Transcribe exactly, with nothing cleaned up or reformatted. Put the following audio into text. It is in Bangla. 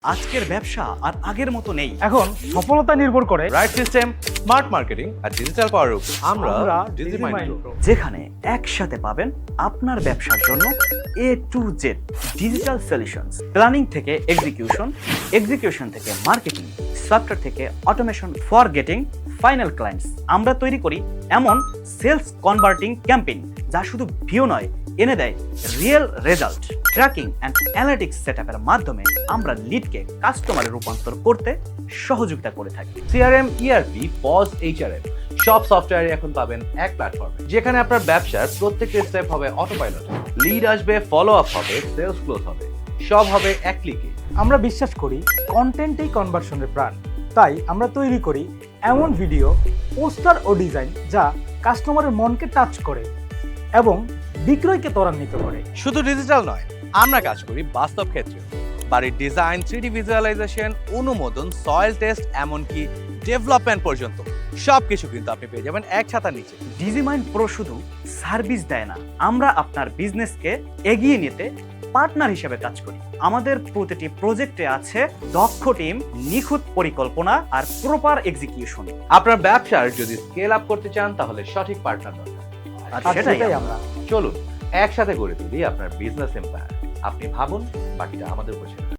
আজকের ব্যবসা আর আগের মতো নেই। এখন সফলতা নির্ভর করে রাইট সিস্টেম, স্মার্ট মার্কেটিং আর ডিজিটাল পাওয়ার উপর। আমরা আমরা ডিজিমাইন্ড ডিজিমাইন্ড প্রো। প্রো। যেখানে একসাথে পাবেন আপনার ব্যবসার জন্য A to Z digital solutions, planning থেকে এক্সিকিউশন, এক্সিকিউশন থেকে মার্কেটিং, সফটওয়্যার থেকে automation for getting final clients. আমরা তৈরি করি এমন সেলস কনভার্টিং ক্যাম্পেইন যা শুধু ভিউ নয়, এনে দেয় real result. Tracking and analytics সেটআপের মাধ্যমে আমরা লিডকে কাস্টমারে রূপান্তর করতে সহযোগিতা করে থাকি। সিআরএম, ইআরপি, পজ, এইচআরএম সব সফটওয়্যারে এখন পাবেন এক প্ল্যাটফর্মে, যেখানে আপনার ব্যবসার প্রত্যেকটা স্টেপ হবে অটো পাইলট। লিড আসবে, ফলো আপ হবে, সেলস ক্লোজ হবে, সব হবে এক ক্লিকে। আমরা বিশ্বাস করি কন্টেন্টই কনভার্সনের প্রাণ। তাই আমরা তৈরি করি এমন ভিডিও, পোস্টার ও ডিজাইন যা কাস্টমারের মনকে টাচ করে এবং বিক্রয়কে ত্বরান্বিত করে। শুধু ডিজিটাল নয়, আমরা কাজ করি বাস্তব ক্ষেত্রে। বাড়ির ডিজাইন, থ্রি ডি ভিজুয়ালাইজেশন, অনুমোদন, সয়েল টেস্ট, এমনকি ডেভেলপমেন্ট পর্যন্ত সবকিছু কিন্তু আপনি পেয়ে যাবেন এক ছাতার নিচে। ডিজিমাইন্ড প্রো শুধু সার্ভিস দেয় না, আমরা আপনার বিজনেসকে এগিয়ে নিতে পার্টনার হিসেবে কাজ করি। আমাদের প্রতিটি প্রজেক্টে আছে দক্ষ টিম, নিখুঁত পরিকল্পনা আর প্রপার এক্সিকিউশন। আপনার ব্যবসার যদি স্কেল আপ করতে চান, তাহলে সঠিক পার্টনার দরকার। আর আর সেটাই সেটাই আমরা। আমরা চলুন একসাথে গড়ে তুলি আপনার বিজনেস এম্পায়ার। আপনি ভাবুন, বাকিটা আমাদের উপর ছেড়ে দিন।